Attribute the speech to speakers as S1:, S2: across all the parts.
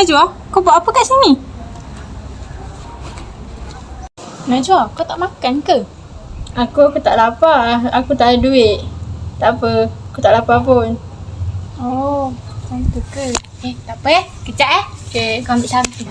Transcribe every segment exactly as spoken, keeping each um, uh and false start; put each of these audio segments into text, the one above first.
S1: Najwa, kau buat apa kat sini? Najwa, kau tak makan ke?
S2: Aku aku tak lapar. Aku tak ada duit. Tak apa. Aku tak lapar pun.
S1: Oh, macam tu ke? Eh, tak apa eh. Kejap eh.
S2: Okay.
S1: Kau ambil satu.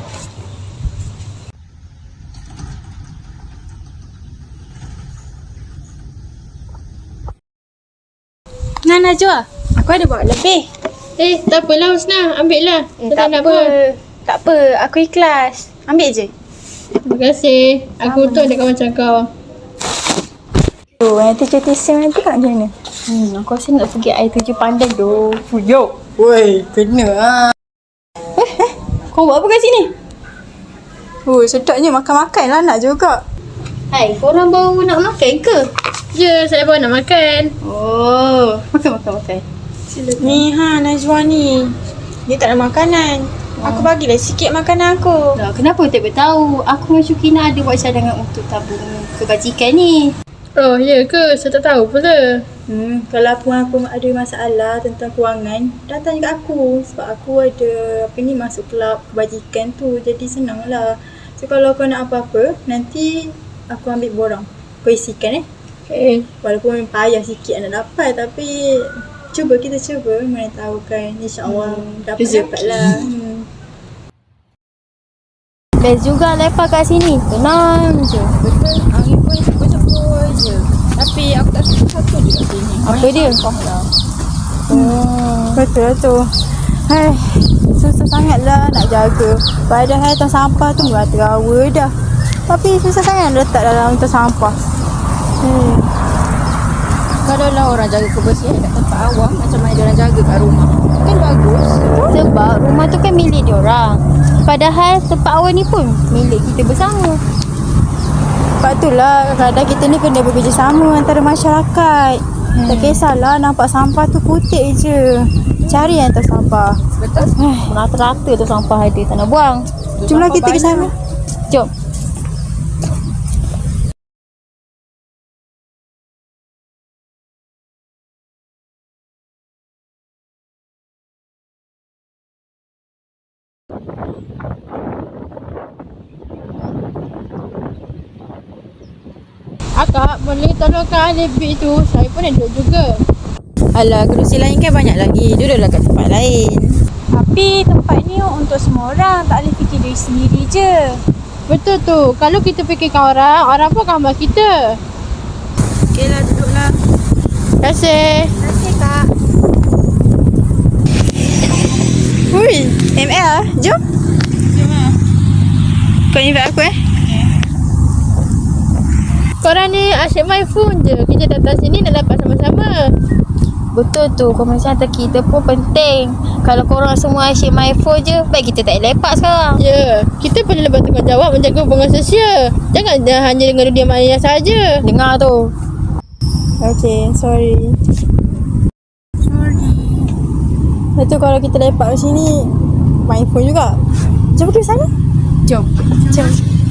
S1: Nah, Najwa. Aku ada bawa lebih.
S2: Eh, tak apalah Husna. Ambil lah.
S1: Eh, tak apa. Tak apa. Aku ikhlas. Ambil je.
S2: Terima kasih. Aku untung ada kawan macam kau.
S1: Tu, air tujuh tisim nanti kat macam mana? Hmm, aku rasa nak pergi air tujuh pandai tu.
S2: Fuyuk. Woi, kena lah.
S1: Eh, eh. Kau buat apa kat sini?
S3: Oh, sedapnya makan-makan lah nak juga.
S1: Hai, korang baru nak makan ke?
S2: Ya, saya baru nak makan.
S1: Oh, makan, makan, makan.
S3: Ni ha, Najwa ni. Dia tak ada makanan. Aku bagilah sikit makanan aku.
S1: Lah, kenapa tak beritahu? Aku dengan Syukina ada buat cadangan untuk tabung kebajikan ni.
S2: Oh, ya ke? Saya tak tahu pula.
S3: Hmm, kalau pun aku ada masalah tentang kewangan, datang kat aku. Sebab aku ada apa ni masuk kelab kebajikan tu. Jadi senang lah. So kalau kau nak apa-apa, nanti aku ambil borang. Kau isikan eh.
S2: Eh,
S3: Walaupun payah sikit nak dapat, tapi cuba kita cuba. Mana tahu kan, insyaAllah hmm, dapat-dapat lah. Hmm.
S1: Best juga lepak kat sini. Tenang je.
S3: Betul, angin pun sepul-sepul je. Tapi aku tak suka satu je kat sini.
S1: Apa dia?
S3: Lah.
S1: Hmm.
S3: Betul tu. Hai, susah sangat lah nak jaga. Padahal tong sampah tu merata-rawa dah. Tapi susah sangat letak dalam tong sampah. Hmm.
S1: Kalau lah orang jaga kebersihan kat tempat awam, macam mana dia orang jaga kat rumah? Kan bagus. Sebab rumah tu kan milik dia orang. Padahal tempat awam ni pun milik kita bersama.
S3: Sebab itulah kadang-kadang kita ni kena bekerjasama antara masyarakat. Hmm. Tak kisahlah nampak sampah tu putih je. Cari yang tong sampah.
S1: Betul. Rata-rata tu sampah ada, tak nak buang.
S3: Jomlah kita ke sana.
S1: Jom.
S2: akak boleh tolongkan Alibik tu. Saya pun nak duduk juga.
S3: Alah, kerusi lain kan banyak lagi. Duduklah kat tempat lain.
S4: Tapi tempat ni untuk semua orang, tak boleh fikir diri sendiri je.
S2: Betul tu. Kalau kita fikirkan orang, orang pun akan hamba kita.
S3: Okeylah, duduklah.
S2: Terima kasih.
S3: Terima kasih, Kak. Hui, M L lah. Jom.
S2: Jom lah.
S3: Kau invite aku eh?
S2: Korang ni asyik main phone je. Kita datang sini nak dapat sama-sama.
S1: Betul tu, komunikasi antara kita pun penting. Kalau korang semua asyik main phone je, baik kita tak lepak sekarang.
S2: Ya, yeah. Kita perlu bertanggungjawab menjaga hubungan sosial. Jangan hanya dengan dunia maya saja.
S1: Dengar tu.
S3: Okay, sorry. Sorry. Lepas tu kalau kita lepak kat sini, main phone juga. Jom pergi sana.
S1: Jom.
S3: Jom.